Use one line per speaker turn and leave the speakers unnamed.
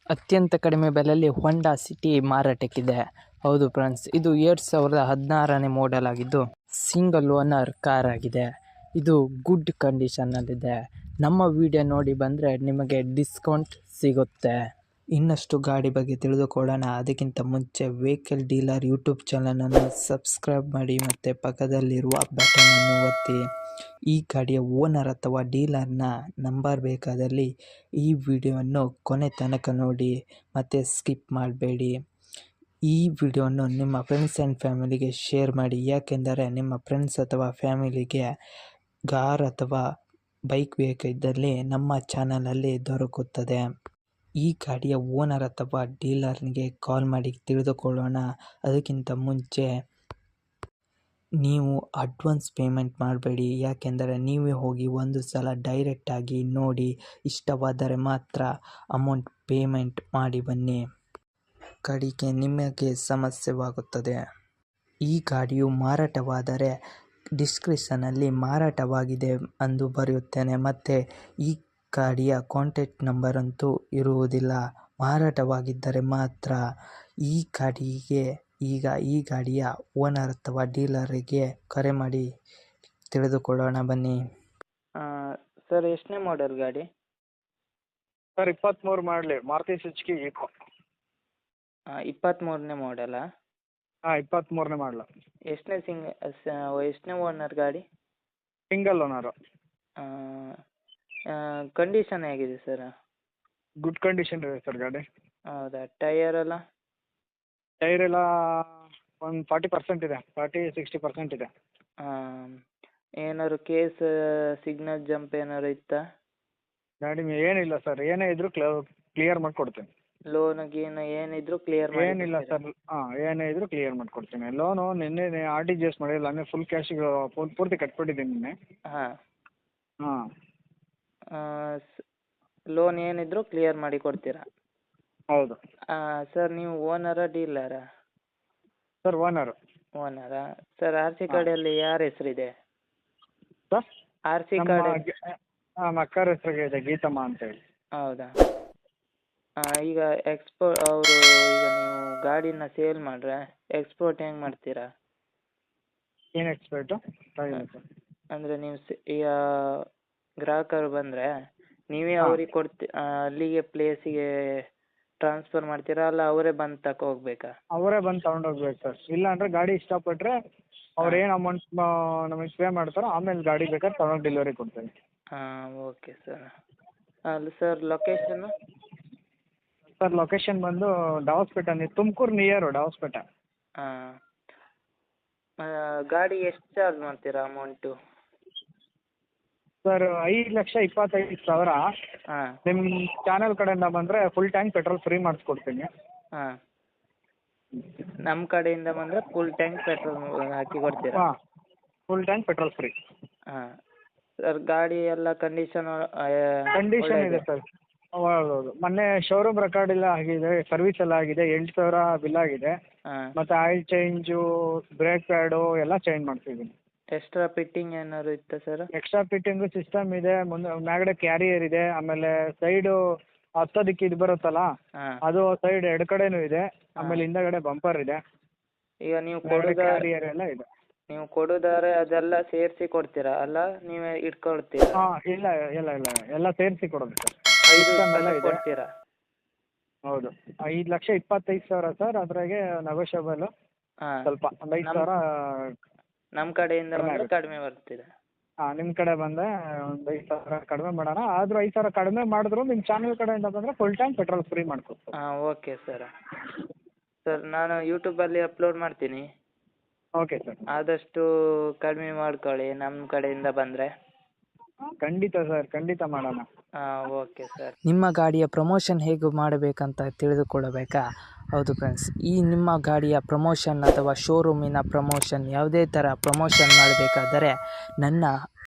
ಅತ್ಯಂತ ಕಡಿಮೆ ಬೆಲೆಯಲ್ಲಿ ಹೊಂಡಾ ಸಿಟಿ ಮಾರಾಟಕ್ಕಿದೆ. ಹೌದು ಫ್ರೆಂಡ್ಸ್, ಇದು 2016ನೇ ಮಾಡೆಲ್ ಆಗಿದ್ದು ಸಿಂಗಲ್ ಓನರ್ ಕಾರ್ ಆಗಿದೆ. ಇದು ಗುಡ್ ಕಂಡೀಷನ್ನಲ್ಲಿದೆ. ನಮ್ಮ ವಿಡಿಯೋ ನೋಡಿ ಬಂದರೆ ನಿಮಗೆ ಡಿಸ್ಕೌಂಟ್ ಸಿಗುತ್ತೆ. ಇನ್ನಷ್ಟು ಗಾಡಿ ಬಗ್ಗೆ ತಿಳಿದುಕೊಳ್ಳೋಣ. ಅದಕ್ಕಿಂತ ಮುಂಚೆ ವೆಹಿಕಲ್ ಡೀಲರ್ ಯೂಟ್ಯೂಬ್ ಚಾನಲನ್ನು ಸಬ್ಸ್ಕ್ರೈಬ್ ಮಾಡಿ ಮತ್ತು ಪಕ್ಕದಲ್ಲಿರುವ ಬಟನನ್ನು ಒತ್ತಿ. ಈ ಗಾಡಿಯ ಓನರ್ ಅಥವಾ ಡೀಲರ್ನ ನಂಬರ್ ಬೇಕಾದಲ್ಲಿ ಈ ವಿಡಿಯೋವನ್ನು ಕೊನೆ ತನಕ ನೋಡಿ ಮತ್ತು ಸ್ಕಿಪ್ ಮಾಡಬೇಡಿ. ಈ ವಿಡಿಯೋವನ್ನು ನಿಮ್ಮ ಫ್ರೆಂಡ್ಸ್ ಆ್ಯಂಡ್ ಫ್ಯಾಮಿಲಿಗೆ ಶೇರ್ ಮಾಡಿ. ಯಾಕೆಂದರೆ ನಿಮ್ಮ ಫ್ರೆಂಡ್ಸ್ ಅಥವಾ ಫ್ಯಾಮಿಲಿಗೆ ಕಾರ್ ಅಥವಾ ಬೈಕ್ ಬೇಕಿದ್ದಲ್ಲಿ ನಮ್ಮ ಚಾನಲಲ್ಲಿ ದೊರಕುತ್ತದೆ. ಈ ಗಾಡಿಯ ಓನರ್ ಅಥವಾ ಡೀಲರ್ನಿಗೆ ಕಾಲ್ ಮಾಡಿ ತಿಳಿದುಕೊಳ್ಳೋಣ. ಅದಕ್ಕಿಂತ ಮುಂಚೆ ನೀವು ಅಡ್ವಾನ್ಸ್ ಪೇಮೆಂಟ್ ಮಾಡಬೇಡಿ. ಯಾಕೆಂದರೆ ನೀವೇ ಹೋಗಿ ಒಂದು ಸಲ ಡೈರೆಕ್ಟಾಗಿ ನೋಡಿ ಇಷ್ಟವಾದರೆ ಮಾತ್ರ ಅಮೌಂಟ್ ಪೇಮೆಂಟ್ ಮಾಡಿ ಬನ್ನಿ. ಕಡೆಗೆ ನಿಮಗೆ ಸಮಸ್ಯೆವಾಗುತ್ತದೆ. ಈ ಗಾಡಿಯು ಮಾರಾಟವಾದರೆ ಡಿಸ್ಕ್ರಿಪ್ಷನಲ್ಲಿ ಮಾರಾಟವಾಗಿದೆ ಎಂದು ಬರೆಯುತ್ತೇನೆ ಮತ್ತು ಈ ಗಾಡಿಯ ಕಾಂಟ್ಯಾಕ್ಟ್ ನಂಬರ್ ಅಂತೂ ಇರುವುದಿಲ್ಲ. ಮಾರಾಟವಾಗಿದ್ದರೆ ಮಾತ್ರ ಈ ಗಾಡಿಯ ಓನರ್ ಅಥವಾ ಡೀಲರಿಗೆ ಕರೆ ಮಾಡಿ ತಿಳಿದುಕೊಳ್ಳೋಣ ಬನ್ನಿ. ಸರ್, ಎಷ್ಟನೇ ಮಾಡೆಲ್ ಗಾಡಿ?
ಸರ್ 23 ಮಾಡಲಿ ಮಾರುತಿ ಸುಜುಕಿ ಈಕೋ.
23ನೇ ಮಾಡೆಲಾ?
ಹಾಂ 23ನೇ ಮಾಡಲು.
ಎಷ್ಟನೇ ಓನರ್ ಗಾಡಿ?
Single owner.
ಕಂಡೀಷನ್ ಹೇಗಿದೆ ಸರ್?
ಗುಡ್ ಕಂಡೀಷನ್ ಇದೆ ಸರ್ ಗಾಡಿ.
ಹೌದಾ? ಟೈರ್ ಎಲ್ಲ
ಒಂದು 40% ಇದೆ, 40-60% ಇದೆ.
ಏನಾದ್ರು ಕೇಸ್ ಸಿಗ್ನಲ್ ಜಂಪ್ ಏನಾದ್ರು ಇತ್ತಾ?
ಗಾಡಿ ಏನಿಲ್ಲ ಸರ್, ಏನೇ ಇದ್ರೂ ಕ್ಲಿಯರ್ ಮಾಡಿಕೊಡ್ತೀನಿ.
ಲೋನ್ ಗೀನ್ ಏನಿದ್ರು ಕ್ಲಿಯರ್
ಏನಿಲ್ಲ ಸರ್. ಏನೇ ಇದ್ರೂ ಕ್ಲಿಯರ್ ಮಾಡಿಕೊಡ್ತೀನಿ. ಲೋನು ನಿನ್ನೆ RTGS ಮಾಡಿಲ್ಲ, ಹಂಗೆ ಫುಲ್ ಕ್ಯಾಶಿಗೆ ಪೂರ್ತಿ ಕಟ್ಬಿಟ್ಟಿದ್ದೀನಿ ನಿನ್ನೆ. ಹಾಂ.
ಲೋನ್ ಏನಿದ್ರು ಕ್ಲಿಯರ್ ಮಾಡಿ ಕೊಡ್ತೀರಾ?
ಹೌದು
ಸರ್, ನೀವು ಓನರಾ ಡೀಲರಾ?
Sir owner.
ಓನರಾ? ಸರ್, RC ಕಾರ್ಡಲ್ಲಿ ಯಾರ ಹೆಸರಿದೆ?
ಸರ್
RC ಕಾರ್ಡ್
ನಮ್ಮ ಅಕ್ಕರ ಹೆಸರಿಗೆ ಇದೆ, ಗೀತಮ್ಮ ಅಂತೇಳಿ.
ಹೌದಾ? ಈಗ ಅವರು ಈಗ ನೀವು ಗಾಡಿನ ಸೇಲ್ ಮಾಡ್ರೆ ಎಕ್ಸ್ಪೋರ್ಟ್ ಹೆಂಗೆ ಮಾಡ್ತೀರಾ?
ಏನು ಎಕ್ಸ್ಪರ್ಟು?
ಅಂದರೆ ನೀವು ಈಗ ಗ್ರಾಹಕರು ಬಂದರೆ ನೀವೇ ಅವ್ರಿಗೆ ಅಲ್ಲಿಗೆ ಪ್ಲೇಸಿಗೆ ಟ್ರಾನ್ಸ್ಫರ್ ಮಾಡ್ತೀರಾ, ಅಲ್ಲ ಅವರೇ ಬಂದು ತಗೊ ಹೋಗ್ಬೇಕಾ?
ಅವರೇ ಬಂದು ತಗೊಂಡೋಗ್ಬೇಕು ಸರ್. ಇಲ್ಲ ಅಂದರೆ ಗಾಡಿ ಇಷ್ಟಪಟ್ಟರೆ ಅವ್ರು ಏನು ಅಮೌಂಟ್ ನಮಗೆ ಪೇ ಮಾಡ್ತಾರೋ ಆಮೇಲೆ ಗಾಡಿ ಬೇಕಾದ್ರೆ ತಗೊಂಡು ಡೆಲಿವರಿ ಕೊಡ್ತೇವೆ.
Okay sir. ಅಲ್ಲಿ ಸರ್ ಲೊಕೇಶನ್ನು?
ಸರ್ ಲೊಕೇಶನ್ ಬಂದು ಡಾವಸ್ಪೇಟೆ, ತುಮಕೂರು ನಿಯರು ಡಾವಸ್ಪೇಟೆ.
ಗಾಡಿ ಎಷ್ಟು ಚಾರ್ಜ್ ಮಾಡ್ತೀರಾ ಅಮೌಂಟು?
ಸರ್ 5,25,000. ನಿಮ್ಮ ಚಾನಲ್ ಕಡೆಯಿಂದ ಬಂದರೆ ಫುಲ್ ಟ್ಯಾಂಕ್ ಪೆಟ್ರೋಲ್ ಫ್ರೀ ಮಾಡಿಸ್ಕೊಡ್ತೀನಿ.
ನಮ್ಮ ಕಡೆಯಿಂದ ಬಂದರೆ ಫುಲ್ ಟ್ಯಾಂಕ್ ಪೆಟ್ರೋಲ್ ಹಾಕಿ ಕೊಡ್ತೀರಾ?
ಹಾಂ, full tank petrol free.
Sir, ಗಾಡಿ ಎಲ್ಲ ಕಂಡೀಷನ್
ಇದೆ ಸರ್. ಹೌದು, ಮೊನ್ನೆ ಶೋರೂಮ್ ರೆಕಾರ್ಡ್ ಎಲ್ಲ ಆಗಿದೆ, ಸರ್ವಿಸ್ ಎಲ್ಲ ಆಗಿದೆ, 8,000 ಬಿಲ್ ಆಗಿದೆ. ಮತ್ತು ಆಯಿಲ್ ಚೇಂಜು, ಬ್ರೇಕ್ ಪ್ಯಾಡು ಎಲ್ಲ ಚೇಂಜ್ ಮಾಡ್ತಿದ್ದೀನಿ.
ಎಕ್ಸ್ಟ್ರಾ ಫಿಟ್ಟಿಂಗ್ ಏನಾದ್ರು ಇತ್ತಾ ಸರ್?
ಎಕ್ಸ್ಟ್ರಾ ಫಿಟ್ಟಿಂಗು ಸಿಸ್ಟಮ್ ಇದೆ, ಮ್ಯಾಗಡೆ ಕ್ಯಾರಿಯರ್ ಇದೆ, ಆಮೇಲೆ ಸೈಡು ಹತ್ತೋದಕ್ಕೆ ಇದು ಬರುತ್ತಲ್ಲ ಅದು ಸೈಡ್ ಎರಡು ಕಡೆನೂ ಇದೆ, ಆಮೇಲೆ ಹಿಂದಗಡೆ ಬಂಪರ್ ಇದೆ.
ಈಗ ನೀವು
ಕ್ಯಾರಿಯರ್ ಎಲ್ಲ ಇದೆ.
ನೀವು ಕೊಡೋದಾದ್ರೆ ಅದೆಲ್ಲ ಸೇರಿಸಿ ಕೊಡ್ತೀರಾ ಅಲ್ಲ ನೀವೇ ಇಟ್ಕೊಳ್ತೀರಾ?
ಇಲ್ಲ ಎಲ್ಲ ಸೇರಿಸಿ ಕೊಡೋದು ಸರ್.
5 ಕೊಡ್ತೀರಾ?
ಹೌದು, 5,25,000 ಸರ್. ಅದ್ರಾಗೆ ನೆಗೋಷಿಯಬಲ್ ಸ್ವಲ್ಪ ಒಂದು 5,000
ನಮ್ಮ ಕಡೆಯಿಂದ ಬಂದರೆ ಕಡಿಮೆ ಬರ್ತಿದೆ.
ನಿಮ್ಮ ಕಡೆ ಬಂದರೆ ಒಂದು 5,000 ಕಡಿಮೆ ಮಾಡೋಣ. ಆದರೂ 5,000 ಕಡಿಮೆ ಮಾಡಿದ್ರು ನಿಮ್ಮ ಚಾನಲ್ ಕಡೆಯಿಂದ ಬಂದರೆ ಫುಲ್ ಟ್ಯಾಂಕ್ ಪೆಟ್ರೋಲ್ ಫ್ರೀ ಮಾಡ್ಕೊಡ್ತೀವಿ.
Okay sir. ನಾನು ಯೂಟ್ಯೂಬಲ್ಲಿ ಅಪ್ಲೋಡ್ ಮಾಡ್ತೀನಿ.
Okay sir.
ಆದಷ್ಟು ಕಡಿಮೆ ಮಾಡ್ಕೊಳ್ಳಿ ನಮ್ಮ ಕಡೆಯಿಂದ ಬಂದರೆ.
ಖಂಡಿತ ಸರ್, ಖಂಡಿತ ಮಾಡೋಣ.
Okay sir. ನಿಮ್ಮ ಗಾಡಿಯ ಪ್ರಮೋಷನ್ ಹೇಗೆ ಮಾಡಬೇಕಂತ ತಿಳಿದುಕೊಳ್ಳಬೇಕಾ? ಹೌದು ಫ್ರೆಂಡ್ಸ್, ಈ ನಿಮ್ಮ ಗಾಡಿಯ ಪ್ರಮೋಷನ್ ಅಥವಾ ಶೋರೂಮಿನ ಪ್ರಮೋಷನ್ ಯಾವುದೇ ಥರ ಪ್ರಮೋಷನ್ ಮಾಡಬೇಕಾದರೆ ನನ್ನ